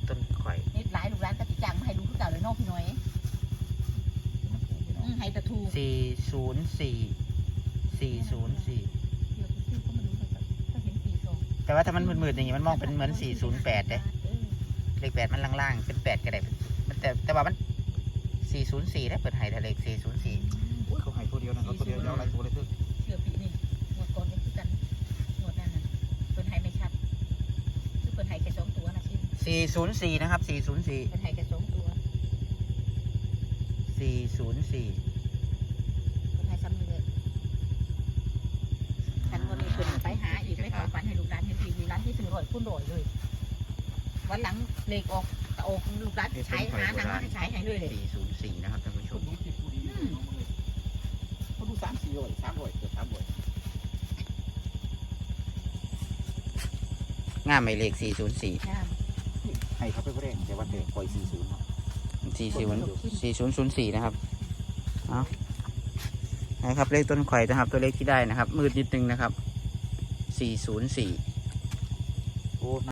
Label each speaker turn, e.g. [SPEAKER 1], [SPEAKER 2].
[SPEAKER 1] ต้นข่อย
[SPEAKER 2] นี่หลายลูกร้านก็ติดจังมาให้ดูคือเก่าเลยน้องพี่น้อยให้ตะทู
[SPEAKER 1] 404
[SPEAKER 2] เดี๋ยวพี่ก็มาดูก็เห็น42
[SPEAKER 1] แต่ว่าถ้ามันมืดๆอย่างงี้มันมองเป็นเหมือน408เลยเลข8มันล่างๆเป็น8ก็ได้มันแต่ว่ามัน404ได้เปิดให้แต่เลข404
[SPEAKER 3] อุ้ยเขาให้ตัวเดียวนะเขาตัวเดียวยาวหลายตัวเลยเถอะ
[SPEAKER 2] เชื่อปีนี่งวดก่อนก็คือกันงวดนั้นน่ะเปิดให้ไม่ชัดคือเปิดให้แค่2ตัวนะชิม
[SPEAKER 1] 404นะครับ404
[SPEAKER 2] เปิดให้แค่2ตัวเปิดให้ซ้ำนี่เลยคันวันนี้เปิดไปหาอีกไม่ขอฝันให้ลูกร้านเห็นทีร้านที่ซื้อร่อยพุ่นร่อยเลยวันหลังเลขออกลูกร้านใช้หาหนังมาให้ใช้ให้เลย
[SPEAKER 1] 404นะครับท่านผู้ชม
[SPEAKER 3] เขาดู300เกือบ300
[SPEAKER 1] งามไหมเลข404
[SPEAKER 3] ให้เขาไปบ่ได้แต่ว่าแต่ปล่อย40เนาะ
[SPEAKER 1] 4004นะครับเอานะครับเลขต้นข่อยนะครับตัวเลขที่ได้นะครับมืดนิดนึงนะครับ404
[SPEAKER 3] โอ้